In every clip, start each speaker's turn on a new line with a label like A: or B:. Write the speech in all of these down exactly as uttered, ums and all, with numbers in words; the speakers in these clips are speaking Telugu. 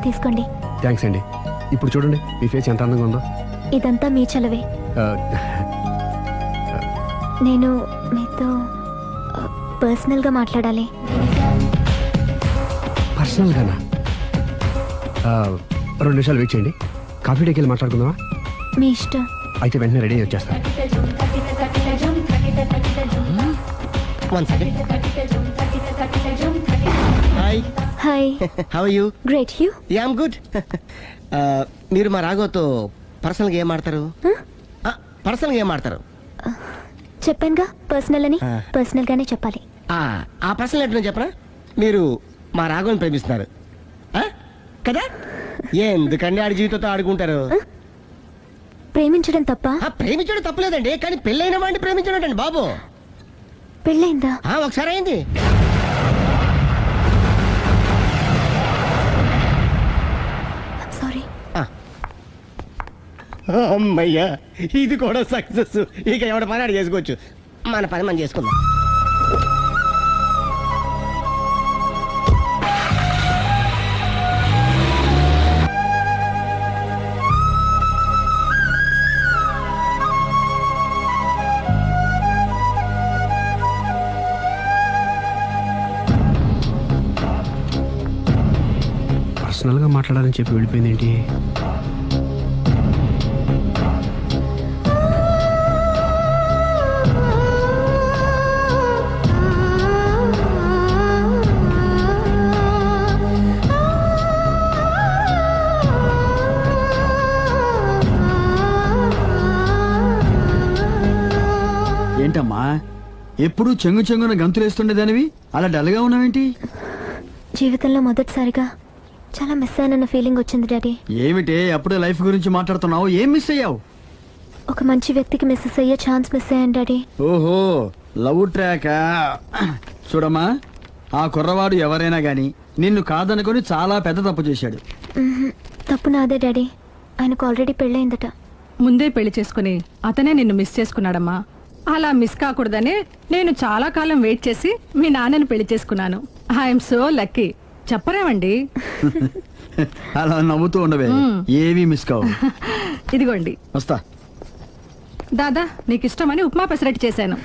A: తీసుకోండి.
B: థ్యాంక్స్ అండి. ఇప్పుడు చూడండి మీ ఫేస్ ఎంత అందంగా ఉందో.
A: ఇదంతా మీ చలవే. నేను మీతో పర్సనల్గా మాట్లాడాలి.
B: పర్సనల్గానా? రెండు నిమిషాలు వెయిట్ చేయండి. కాఫీ డేకి వెళ్ళి మాట్లాడుకుందామా?
A: మీ ఇష్టం.
B: అయితే వెంటనే రెడీ అయ్యి వచ్చేస్తాను.
C: Hi.
A: Hi.
C: How are you?
A: Great. You?
C: Yeah I'm good. మీరు మా రాఘవతో పర్సనల్గా ఏం ఆడతారు? పర్సనల్గా ఏం ఆడతారు?
A: చెప్పానుగా పర్సనల్ అని. పర్సనల్ గానే చెప్పాలి.
C: ఆ పర్సనల్ ఏంటో చెప్పరా? మీరు మా రాఘవని ప్రేమిస్తున్నారు కదా? ఎందుకండి ఆడి జీవితంతో ఆడుకుంటారు?
A: ప్రేమించడం తప్ప?
C: ప్రేమించడం తప్పలేదండి, కానీ పెళ్ళైన వాడిని ప్రేమించడం అండి బాబు.
A: పెళ్ళైందా?
C: ఒకసారి అయింది.
A: సారీ.
C: అమ్మయ్యా, ఇది కూడా సక్సెస్. ఇక ఎవడ పని ఆడు చేసుకోవచ్చు. మన పని మనం చేసుకుందాం.
B: పర్సనల్గా మాట్లాడాలని చెప్పి వెళ్ళిపోయింది ఏంటి?
D: ఏంటమ్మా ఎప్పుడు చెంగు చెంగున గంతులేస్తుండేదానివి అలా డల్గా ఉన్నావేంటి?
A: జీవితంలో మొదటిసారిగా చాలా మిస్ అయిన ఫీలింగ్ వచ్చింది డాడీ.
D: ఏమిటే అప్పుడే లైఫ్ గురించి మాట్లాడుతున్నావు? ఏం మిస్ అయ్యావు?
A: ఒక మంచి వ్యక్తికి మిస్ అయ్యే ఛాన్స్ మిస్ అయ్యాను డాడీ.
D: ఓహో, లవ్ ట్రాక్. చూడమ్మా, ఆ కుర్రవాడు ఎవరైనా గాని నిన్ను కాదనుకొని చాలా పెద్ద తప్పు చేశాడు.
A: తప్పు నాదే డాడీ. ఆయనకు ఆల్రెడీ పెళ్ళయిందట.
E: ముందే పెళ్లి చేసుకుని అతనే నిన్ను మిస్ చేసుకున్నాడమ్మా. అలా మిస్ కాకూడదనే నేను చాలా కాలం వెయిట్ చేసి మీ నాన్నని పెళ్లి చేసుకున్నాను. I'm so lucky. చెప్పరేమండి?
D: అలా నవ్వుతూ ఉండవే, ఏమీ మిస్ కావు.
E: ఇదిగోండి.
D: వస్తా.
E: దాదా, నీకు ఇష్టమని ఉప్మా పెసరట్టు చేశాను.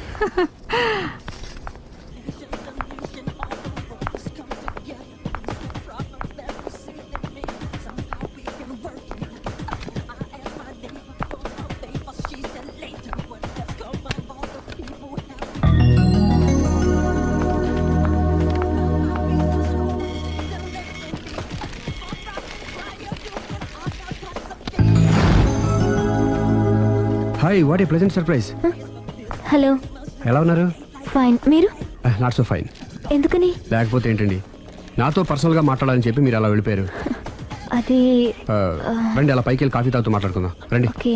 B: Hi, what a pleasant surprise.
A: Hello.
B: ఎలా ఉన్నారు?
A: ఫైన్. మీరు?
B: Not so fine.
A: ఎందుకని?
B: లేకపోతే ఏంటండి, నాతో పర్సనల్గా మాట్లాడాలని చెప్పి మీరు అలా వెళ్ళిపోయారు.
A: అది
B: రండి, అలా పైకి వెళ్ళి కాఫీ తాగుతూ మాట్లాడుకుందాం. రండి.
A: ఓకే.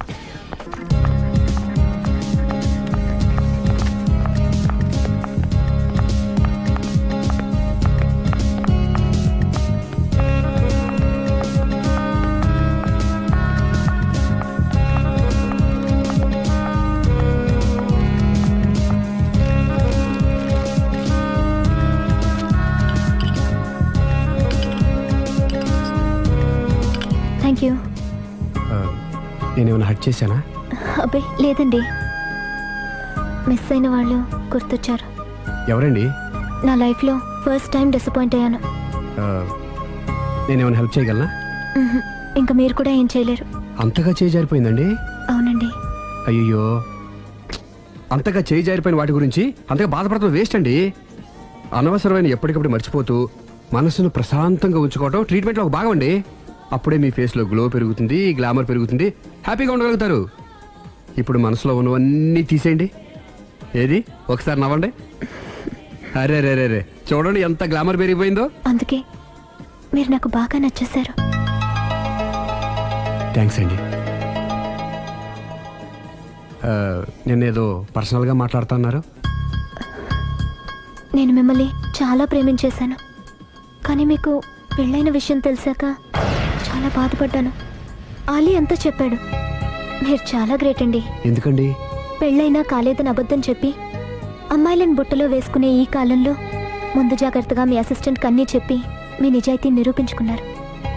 A: Thank you.
B: నేనేమైనా హర్ట్ చేశానా?
A: అబ్బే లేదండి. మిస్ అయిన వాళ్ళు గుర్తొచ్చారు.
B: ఎవరండి?
A: నా లైఫ్లో ఫస్ట్ టైం డిసప్పాయింట్ అయ్యాను.
B: నేనేమైనా హెల్ప్ చేయగలనా?
A: ఇంకా మీరు కూడా ఏం చేయలేరు.
B: అంతగా చేయి జారిపోయిందండి?
A: అవునండి.
B: అయ్యో, అంతగా చేయి జారిపోయిన వాటి గురించి అంతగా బాధపడటం వేస్ట్ అండి. అనవసరమైన ఎప్పటికప్పుడు మర్చిపోతూ మనసును ప్రశాంతంగా ఉంచుకోవటం ట్రీట్మెంట్లో ఒక భాగం అండి. అప్పుడే మీ ఫేస్లో గ్లో పెరుగుతుంది, గ్లామర్ పెరుగుతుంది, హ్యాపీగా ఉండగలుగుతారు. ఇప్పుడు మనసులో ఉన్నవన్నీ తీసేయండి. ఏది, ఒకసారి నవ్వండి. అరే రే రే రే చూడండి ఎంత గ్లామర్ పెరిగిపోయిందో.
A: అందుకే మీరు నాకు బాగా నచ్చేశారు.
B: థ్యాంక్స్ అండి. నేనేదో పర్సనల్గా మాట్లాడుతున్నారు.
A: నేను మిమ్మల్ని చాలా ప్రేమించేశాను, కానీ మీకు పెళ్ళైన విషయం తెలిసాక చాలా బాధపడ్డాను. ఆలీ అంతా చెప్పాడు. మీరు చాలా గ్రేట్ అండి.
B: ఎందుకండి?
A: పెళ్ళైనా కాలేదని అబద్ధం చెప్పి అమ్మాయిలను బుట్టలో వేసుకునే ఈ కాలంలో ముందు జాగ్రత్తగా మీ అసిస్టెంట్ కన్నీ చెప్పి మీ నిజాయితీ నిరూపించుకున్నారు.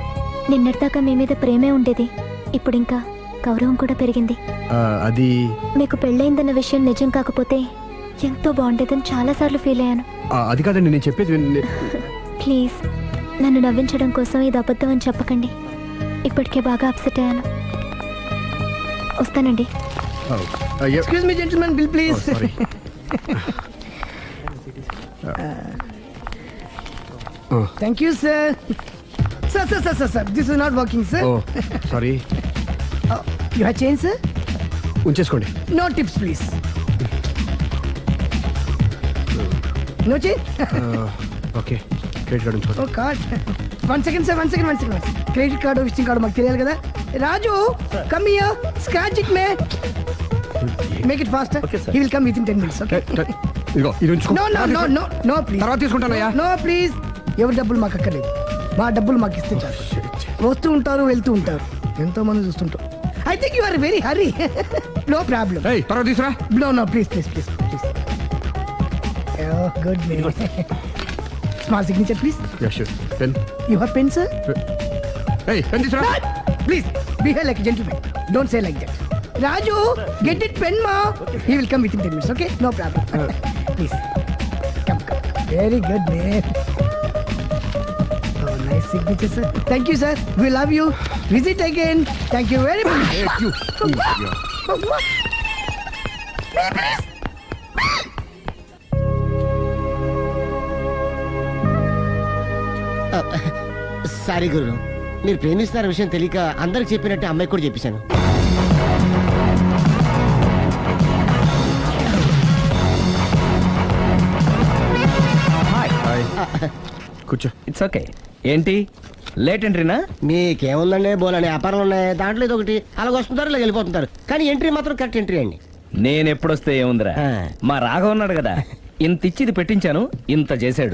A: నిన్నటిదాకా మీ మీద ప్రేమే ఉండేది, ఇప్పుడు ఇంకా గౌరవం కూడా పెరిగింది.
B: ఆ, అది
A: మీకు పెళ్ళయిందన్న విషయం నిజం కాకపోతే ఎంతో బాగుండేదని చాలాసార్లు ఫీల్ అయ్యాను.
B: ఆ, అది కాదండి నేను చెప్పేది విన్-
A: ప్లీజ్ నన్ను నవ్వించడం కోసం ఇది అబద్ధం అని చెప్పకండి. ఇప్పటికే బాగా అప్సెట్ అయ్యాను. వస్తానండి.
B: ఆ, ఆ, ఏ-
C: ఎక్స్క్యూజ్ మీ జెంటిల్మెన్, బిల్
B: ఓ,
C: ప్లీజ్.
B: సారీ. ఆ,
C: thank you sir. Sir sir sir sir sir this is not working sir.
B: Oh sorry,
C: you have change sir?
B: ఉంచేసుకోండి.
C: No tips please. No change?
B: ఆ, ఓకే, క్రెడిట్ కార్డు ఉంచుకోండి.
C: Oh card. One second sir, one second one second credit card visiting card మాకు తెలియాలి కదా. Raju come here, scratch it may, make it fast. He will come with in ten minutes. Okay?
B: ఏ, ఏ, ఇదిగో ఇది ఉంచుకో.
C: No no no no no please.
B: తర్వాత తీసుకుంటానయ్యా.
C: నో ప్లీజ్, ఎవరి డబ్బులు మాకు అక్కర్లేదు. మా డబ్బులు మాకు ఇస్తే చాలు. వస్తూ ఉంటారు, వెళ్తూ ఉంటారు, ఎంతో మంది చూస్తుంటారు. I think you are very hurry. No problem.
B: ఏయ్, తర్వాత తీసురా.
C: No no please please please please. Good may. Small signature please.
B: Yeah sure. Pen.
C: You have pen sir?
B: ఏయ్, పెన్ తీసురా.
C: Please behave like a gentleman. Don't say like that. Raju, get it pen, ma. He will come within ten minutes. Okay, no problem. Please, come, come. Very good, man. Oh, nice signature, sir. Thank you, sir. We love you. Visit again. Thank you very much.
B: Hey, you. Yeah.
C: Sorry గురు, మీరు ప్రేమిస్తున్న విషయం తెలియక అందరికి చెప్పినట్టు అమ్మాయి కూడా చెప్పేశాను.
F: హాయ్
B: కూర్చో.
F: It's okay. ఏంటి లేట్ ఎంట్రీనా?
C: మీకేముందండి, బోలని వ్యాపారాలు ఉన్నాయి, దాంట్లో ఇది ఒకటి అలాగ వస్తుంటారు, ఇలా వెళ్ళిపోతుంటారు, కానీ ఎంట్రీ మాత్రం కరెక్ట్ ఎంట్రీ అండి.
F: నేను ఎప్పుడొస్తే ఏముందిరా,
C: ఆ.
F: మా రాఘవ ఉన్నాడు కదా, ఇంత ఇచ్చి ఇది పెట్టించాను, ఇంత చేశాడు.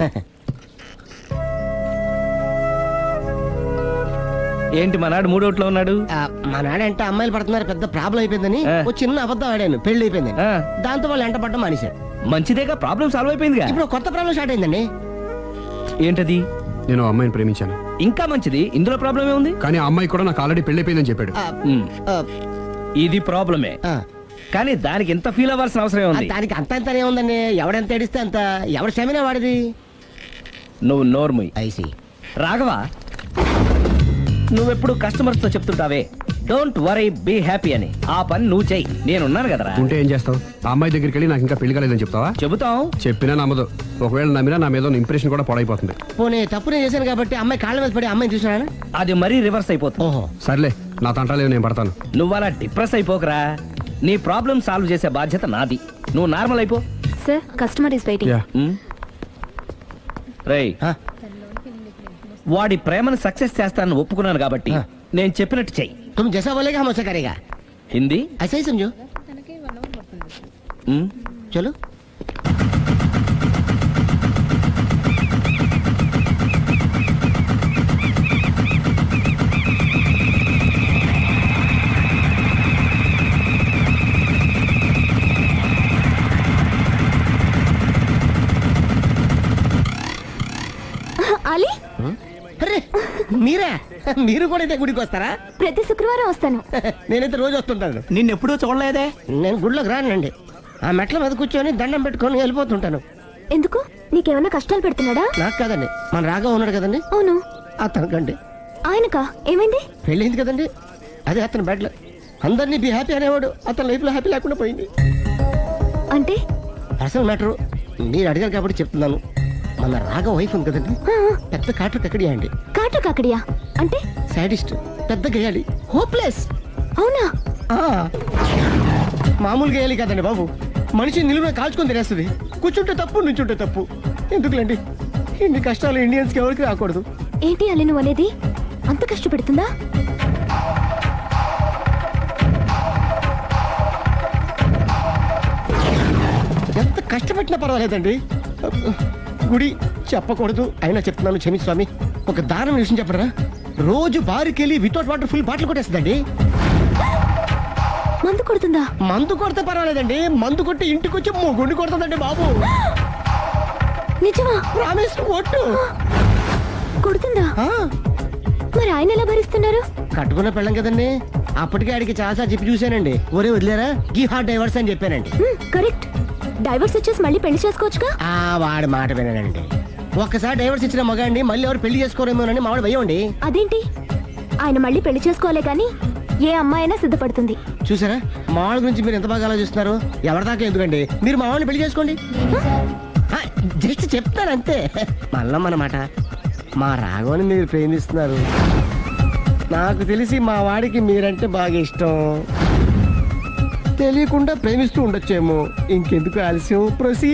F: ఏంటి మా నాడు మూడోట్లో ఉన్నాడు?
C: ఆ, మా నాడంటే అమ్మాయిలు పడుతున్నారు, పెద్ద ప్రాబ్లం అయిపోయిందని
F: ఆ.
C: ఓ చిన్న అబద్ధం ఆడాను, పెళ్లి అయిపోయిందని.
F: ఆ.
C: దాంతో వాళ్ళు ఎంట పడడం మానేశారు.
F: మంచిదేగా, ప్రాబ్లం సాల్వ్ అయిపోయిందిగా.
C: ఇప్పుడు కొత్త ప్రాబ్లం స్టార్ట్ అయిందండి.
F: ఏంటది?
B: నేను ఆ అమ్మాయిని ప్రేమించాను,
F: ఇంకా మంచిది, ఇందులో ప్రాబ్లం ఏముంది?
B: కానీ ఆ అమ్మాయి కూడా నాకు ఆల్రెడీ పెళ్ళైపోయిందని చెప్పాడు.
C: ఆ,
F: ఉమ్,
C: ఆ,
F: ఇది ప్రాబ్లమే,
C: ఆ.
F: కానీ దానికి ఎంత ఫీల్ అవ్వాల్సిన అవసరం
C: ఆ,
F: ఉంది?
C: దానికి అంత అంతనే ఉందండి, ఎవడెంత ఏడిస్తే అంత, ఎవడ క్షమినా వాడిది.
F: నువ్వు నోర్ముయ్.
C: ఐసి
F: రాఘవ, నువ్వెప్పుడు కస్టమర్స్ తో చెప్తుంటావే డోంట్ వరీ బీ హ్యాపీ అని, ఆ పని నువ్వు చెయ్యి, నేనున్నాను కదరా.
B: ఉంటే ఏం చేస్తావు? ఆ అమ్మాయి దగ్గరికి వెళ్ళి నాకు ఇంకా పెళ్లి కాలేదని చెప్తావా?
F: చెబుతాం.
B: చెప్పినా నమ్మదు. ఒకవేళ నమ్మినా నా మీద ఇంప్రెషన్ కూడా పాడైపోతుంది.
C: పోనీ తప్పు నేను చేశాను కాబట్టి అమ్మాయి కాళ్ళ మీద పడి అమ్మాయిని చూసినా.
F: అది మరీ రివర్స్ అయిపోతుంది.
C: ఓహో,
B: సర్లే, నా తంటాలేవు, నేను పడతాను.
F: నువ్వు అలా డిప్రెస్ అయిపోకరా, నీ ప్రాబ్లం సాల్వ్ చేసే బాధ్యత నాది, నువ్వు నార్మల్ అయిపో.
A: Sir, customer is waiting.
B: Yeah.
F: రేయ్,
C: ఆ,
F: వాడి ప్రేమను సక్సెస్ చేస్తానని ఒప్పుకున్నాను కాబట్టి
C: ఆ.
F: నేను చెప్పినట్టు చెయ్యి.
C: तुम जैसा बोलेगा हम वैसा करेगा.
F: హిందీ
C: ऐसा ही समझो.
F: ఉమ్,
C: चलो.
A: అలీ,
C: అరే మీరా, మీరు కూడా ఇదే గుడికి వస్తారా?
A: ప్రతి శుక్రవారం వస్తాను.
C: నేనైతే రోజు వస్తుంటాను.
F: నిన్నెప్పుడూ చూడలేదే.
C: నేను గుడిలోకి రానండి, ఆ మెట్ల మీద కూర్చొని దండం పెట్టుకొని వెళ్ళిపోతుంటాను.
A: ఎందుకు? నీకేమైనా కష్టాలు పెడుతున్నాడా?
C: నాకు కాదండి, మన రాగా ఉన్నాడు కదండి,
A: అవును.
C: అతనికండి.
A: ఆయనకా? ఏమైంది?
C: పెళ్ళింది కదండి, అదే అతని బెడ్లో అందరినీ బి హ్యాపీ అనేవాడు, అతని లైఫ్లో హ్యాపీ లేకుండా పోయింది.
A: అంటే
C: పర్సనల్ మ్యాటర్ మీరు అడిగారు కాబట్టి చెప్తున్నాను. మన రాగా వైఫ్ ఉంది కదండి, పెద్ద కాటు కక్కడియా అండి.
A: కాటు కాకడియా అంటే?
C: సాడిస్ట్, పెద్ద గేయాలి, హోప్లెస్.
A: అవునా?
C: మామూలు గేయాలి కదండి బాబు, మనిషి నిలువున కాల్చుకొని తినేస్తుంది. కూర్చుంటే తప్పు, నుంచుంటే తప్పు. ఎందుకులేండి, ఇన్ని కష్టాలు ఇండియన్స్కి ఎవరికి రాకూడదు.
A: ఏంటి అలీ నువ్వు అనేది? అంత కష్టపెడుతుందా?
C: ఎంత కష్టపెట్టినా పర్వాలేదండి. గుడి చెప్పకూడదు, అయినా చెప్తున్నాను, క్షమించు స్వామి. ఒక దారుణ విషయం చెప్పరా, రోజు బారికెళ్ళి వితౌట్ వాటర్ ఫుల్ బాటిల్ కొట్టేస్తుందండి.
A: మందు కొడుతుందా?
C: మందు కొడితే పర్వాలేదండి, మందు కొట్టి ఇంటికి వచ్చి గుండి కొడుతుందండి బాబు.
A: నిజమా?
C: ప్రామిస్, ఒట్టు.
A: కొడుతుందా?
C: ఆ,
A: మరి ఆయన ఎలా భరిస్తున్నారు?
C: కట్టుకున్న పెళ్ళం కదండి. అప్పటికే ఆడికి చాలాసార్లు చెప్పి చూశానండి. ఒరే వదిలేరా గీ హార్ట్ డైవర్స్ అని చెప్పానండి.
A: హ్మ్, కరెక్ట్. డైవర్స్ ఇచ్చేసి మళ్ళీ పెళ్లి చేసుకోవచ్చుగా.
C: ఆ వాడి మాట వినండి. ఒక్కసారి డైవర్స్ ఇచ్చిన మగాండి మళ్ళీ ఎవరు పెళ్లి చేసుకోరేమోనని మావాడు భయం అండి.
A: అదేంటి? ఆయన మళ్ళీ పెళ్లి చేసుకోలే కానీ ఏ అమ్మాయినా సిద్ధపడుతుంది.
C: చూసారా మావాడి గురించి మీరు ఎంత బాగా ఆలోచిస్తున్నారు. ఎవరిదాకా ఎందుకండి, మీరు మావాడిని పెళ్లి చేసుకోండి. జస్ట్ చెప్తారు అంతే. మళ్ళా మన మాట మా రాఘవని మీరు ప్రేమిస్తున్నారు. నాకు తెలిసి మా వాడికి మీరంటే బాగా ఇష్టం. తెలియకుండా ప్రేమిస్తూ ఉండొచ్చేమో. ఇంకెందుకు ఆలస్యం, ప్రొసీ.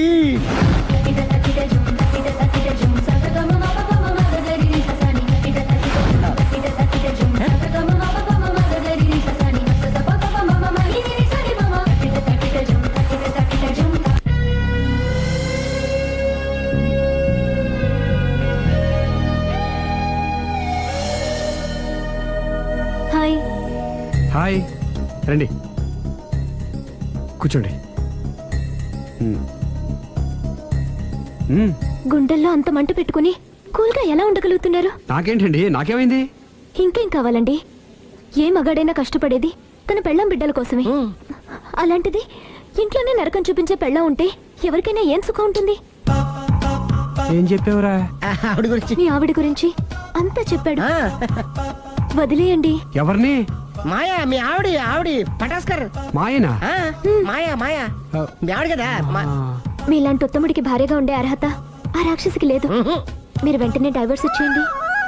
A: హాయ్.
B: హాయ్, రండి కూర్చోండి. మ్మ్. మ్మ్.
A: గుండెల్లో అంత మంట పెట్టుకుని కూల్గా ఎలా ఉండగలుగుతున్నారు?
B: నాకేంటండి, నాకేమైంది?
A: ఇంకేం కావాలండి? ఏ మగాడైనా కష్టపడేది తన పెళ్ళం బిడ్డల కోసమే. అలాంటిది ఇంట్లోనే నరకం చూపించే పెళ్ళం ఉంటే ఎవరికైనా ఏం సుఖం ఉంటుంది?
B: ఏం చెప్పావురా?
C: ఆవిడ గురించి
A: మీ ఆవిడ గురించి అంతా చెప్పాడు.
C: ఆ,
A: వదిలేయండి.
B: ఎవరిని?
C: మాయా మీ ఆవిడ ఆవిడ పటాస్కర్.
B: మాయనా?
C: ఆ, మాయా మాయా మీ ఆవిడ కదా. మా-
A: మీలాంటి ఉత్తముడికి భార్యగా ఉండే అర్హత ఆ రాక్షసికి లేదు.
C: ఉహు.
A: మీరు వెంటనే డైవర్స్ ఇచ్చేయండి.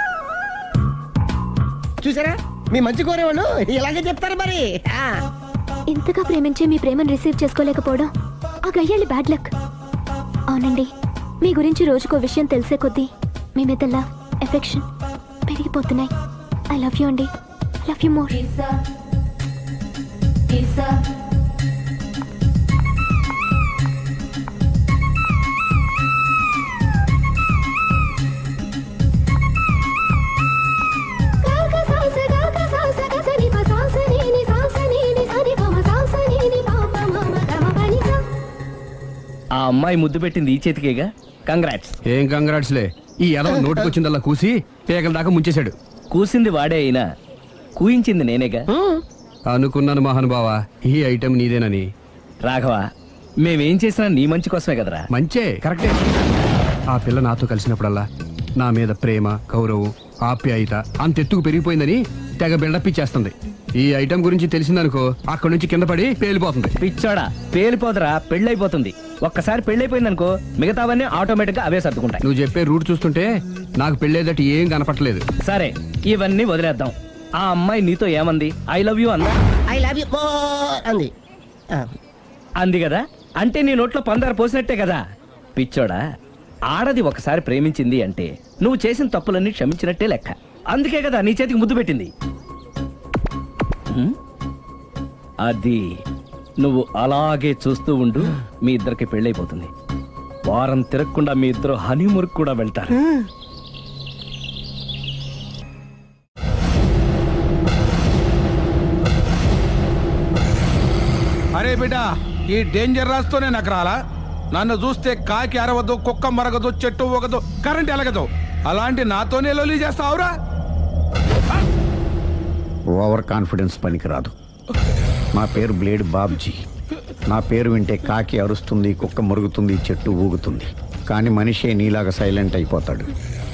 C: చూసారా మీ మంచి కోరేవాళ్ళు ఇలాగే చెప్తారు మరి. ఆ.
A: ఇంతగా ప్రేమించే మీ ప్రేమను రిసీవ్ చేసుకోలేకపోవడం ఆ గయ్యాలి బ్యాడ్ లక్. అవునండి, మీ గురించి రోజుకో విషయం తెలిసే కొద్దీ మీ మీద లవ్, ఎఫెక్షన్ పెరిగిపోతున్నాయి. ఐ లవ్ యూ అండి. I love you more.
F: ఆ అమ్మాయి ముద్దు పెట్టింది ఈ చేతికేగా. కంగ్రాట్స్.
B: ఏం కంగ్రాట్స్లే. ఈ ఎదవ నోటికొచ్చిందల్లా కూసి పేగల దాకా ముంచేశాడు.
F: కూసింది వాడే అయినా కూయించింది నేనేగా.
B: అనుకున్నాను మహానుభావా, ఈ ఐటెం నీదేనని.
F: రాఘవ, మేమేం చేసినా నీ మంచి కోసమే కదరా.
B: మంచే, కరెక్టే. ఆ పిల్ల నాతో కలిసినప్పుడల్లా నా మీద ప్రేమ, గౌరవం, ఆప్యాయత అంతెత్తుకు పెరిగిపోయిందని తెగ బిల్డప్ ఇచ్చేస్తుంది. ఈ ఐటెం గురించి తెలిసిందనుకో అక్కడి నుంచి కింద పడి పేలిపోతుంది.
F: పిచ్చోడా, పేలిపోదరా, పెళ్ళైపోతుంది. ఒక్కసారి పెళ్ళైపోయిందనుకో మిగతావన్నీ ఆటోమేటిక్ గా అవే సర్దుకుంటాయి.
B: నువ్వు చెప్పే రూట్ చూస్తుంటే నాకు పెళ్ళేదట ఏం కనపట్లేదు.
F: సరే, ఇవన్నీ వదిలేద్దాం. ఆ అమ్మాయి నీతో ఏమంది? ఐ లవ్ యూ అందా?
C: ఐ లవ్ యూ అంది. ఆ.
F: అంది కదా, అంటే నీ నోట్లో పందారు పోసినట్టే కదా. పిచ్చోడా, ఆడది ఒకసారి ప్రేమించింది అంటే నువ్వు చేసిన తప్పులన్నీ క్షమించినట్టే లెక్క. అందుకే కదా నీ చేతికి ముద్దు పెట్టింది. హ్మ్? అది నువ్వు అలాగే చూస్తూ ఉండు, మీ ఇద్దరికి పెళ్ళైపోతుంది. వారం తిరగకుండా మీ ఇద్దరు హనీమూర్కి కూడా వెళ్తారు.
G: అరే బిడ్డ, ఈ డేంజర్ రాస్తూనే నాకు రాలా. నన్ను చూస్తే కాకి అరవదు, కుక్క మరగదు, చెట్టు ఒకదు, కరెంట్ ఎలగదు. అలాంటి నాతోనే లొలి చేస్తావురా?
H: ఓవర్ కాన్ఫిడెన్స్ పనికిరాదు. నా పేరు బ్లేడ్ బాబ్జీ. నా పేరు వింటే కాకి అరుస్తుంది, కుక్క మురుగుతుంది, చెట్టు ఊగుతుంది. కానీ మనిషే నీలాగా సైలెంట్ అయిపోతాడు.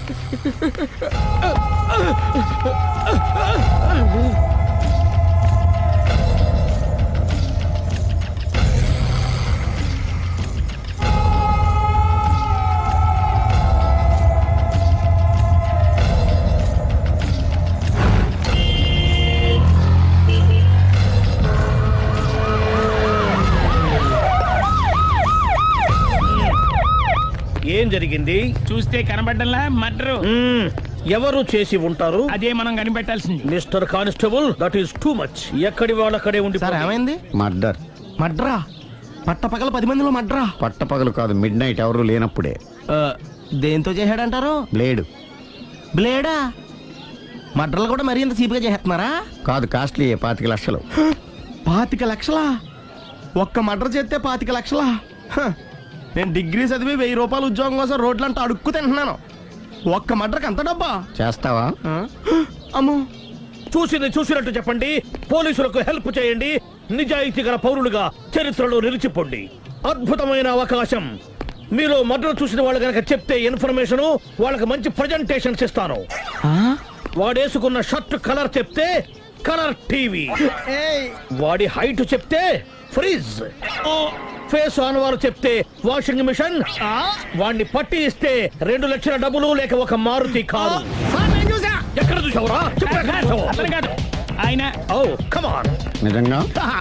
I: ఏం జరిగింది?
J: చూస్తే కనబడ్డంలా మర్డరు.
I: మ్మ్. ఎవరు చేసి ఉంటారు?
J: అదే మనం కనిపెట్టాల్సింది.
I: Mister constable, that is too much. ఎక్కడి వాళ్ళక్కడే ఉండి
C: సార్ ఏమైంది?
H: మర్డర్.
C: మడ్రా పట్ట పగల పది మందిలో మడ్రా.
H: పట్టపగలు కాదు, మిడ్ నైట్ ఎవరు లేనప్పుడే.
C: దేంతో చేశాడంటారు?
H: బ్లేడ్.
C: బ్లేడా? మడ్రలు కూడా మరీ ఇంత చీప్గా చేస్తున్నారా?
H: కాదు, కాస్ట్లీ, పాతిక లక్షలు.
C: పాతిక లక్షలా? ఒక్క మడ్ర చేస్తే పాతిక లక్షలా? హ, నేను డిగ్రీ చదివి వెయ్యి రూపాయలు ఉద్యోగం కోసం రోడ్లంతా అడుక్కు తింటున్నాను. ఒక్క మడ్రకు అంత డబ్బా?
H: చేస్తావా?
C: ఆ? అమ్మో
I: చూసింది చూసినట్టు చెప్పండి, పోలీసులకు హెల్ప్ చేయండి, నిజాయితీ గల పౌరులుగా చరిత్రలో నిలిచిపోండి. అద్భుతమైన అవకాశం. మీలో మర్డర్ చూసిన వాళ్ళు కనుక చెప్తే ఇన్ఫర్మేషన్, వాళ్ళకి మంచి ప్రజెంటేషన్స్ ఇస్తాను. వాడేసుకున్న షర్ట్ కలర్ చెప్తే కలర్ టీవీ, వాడి హైట్ చెప్తే ఫ్రిజ్, ఫేస్ ఆన్ వారు చెప్తే వాషింగ్ మిషన్, వాడిని పట్టి ఇస్తే రెండు లక్షల డబ్బులు లేక ఒక మారుతి కారు. ఎక్కడ చూసావురా? చెప్పు, ఎక్కడ చూసావు?
J: అతను కాదు ఆయన.
I: Oh come on.
H: నిజంగా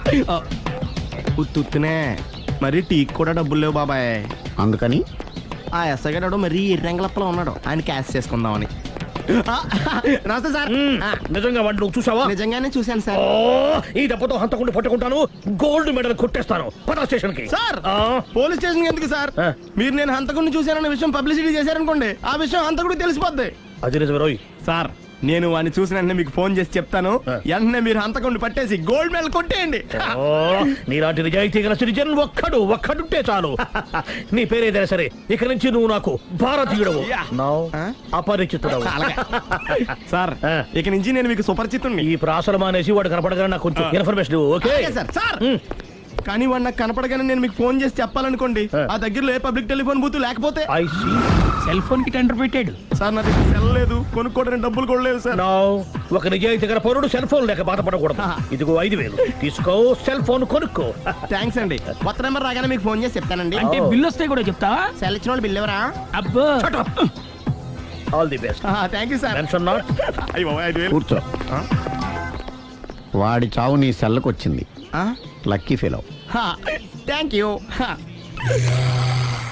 C: ఉత్తునే మరి టీకి కూడా డబ్బులు లేవు బాబాయ్.
H: అందుకని
C: ఆ ఎస్ఐ గారు మరీ ఎర్రంగలప్పలో ఉన్నాడు, ఆయన క్యాష్ చేసుకుందామని. ఆ, నమస్తే సార్. ఆ,
I: నిజంగా వాడిని నువ్వు చూసావా?
C: నిజంగానే చూశాను సార్.
I: ఓ, ఈ దెబ్బతో హంతకుండా పట్టుకుంటాను, గోల్డ్ మెడల్ కొట్టేస్తాను. పటా స్టేషన్ కి.
C: సార్
I: ఆ,
C: పోలీస్ స్టేషన్ ఎందుకు సార్?
I: ఆ.
C: మీరు నేను హంతకుడిని చూశానన్న విషయం పబ్లిసిటీ చేశారనుకోండి, ఆ విషయం హంతకుడికి తెలిసిపోద్ది.
I: అది నిజమే రోయ్.
C: సార్ నేను వాడిని చూసిన వెంటనే మీకు ఫోన్ చేసి చెప్తాను,
I: ఆ.
C: వెంటనే మీరు హంతకుడిని పట్టేసి గోల్డ్ మెడల్ కొట్టేయండి.
I: ఓ, నీలాంటి నిజాయితీ గల సిటిజన్ ఒక్కడు ఒక్కడుంటే చాలు. నీ పేరేదైనా సరే, ఇక నుంచి నువ్వు నాకు భారతీయుడవు, నౌ
C: ఆ?
I: అపరిచితుడవు.
C: సార్
I: ఆ.
C: ఇక నుంచి నేను మీకు సుపరిచితుణ్ణి.
I: ఈ ప్రాసలు మానేసి వాడు కనపడగానే నాకు కొంచెం ఇన్ఫర్మేషన్ ఇవ్వు, ఓకే?
C: అలాగే సార్. సార్
I: ఉమ్.
C: కానీ వాడు నాకు కనపడగానే నేను మీకు ఫోన్ చేసి చెప్పాలనుకోండి,
I: ఆ.
C: ఆ దగ్గరలో ఏ పబ్లిక్ టెలిఫోన్ బూత్ లేకపోతే.
I: I see.
J: సెల్ ఫోన్ కి టెండర్ పెట్టాడు.
C: సార్ నా దగ్గర సెల్ లేదు, కొనుక్కోవడానికి డబ్బులు కూడా లేవు సార్.
I: Now, ఒక నిజాయితీ గల పౌరుడు సెల్ ఫోన్ లేక బాధపడకూడదు. ఇదిగో ఐదు వేలు తీసుకో, సెల్ ఫోన్ కొనుక్కో.
C: థ్యాంక్స్ అండి. కొత్త నెంబర్ రాగానే మీకు ఫోన్ చేసి చెప్తానండి.
J: అంటే
I: ఓ.
J: బిల్ వస్తే కూడా చెప్తావా?
C: సెల్ ఇచ్చిన వాళ్ళు బిల్ ఎవరా?
J: అబ్బో
I: all the best.
C: Thank you sir.
I: Tension not.
C: అయ్యో ఐదు వేలు.
H: కూర్చో. వాడి చావు నీ సెల్లకు వచ్చింది.
C: ఆ?
H: Lucky fellow.
C: Thank you.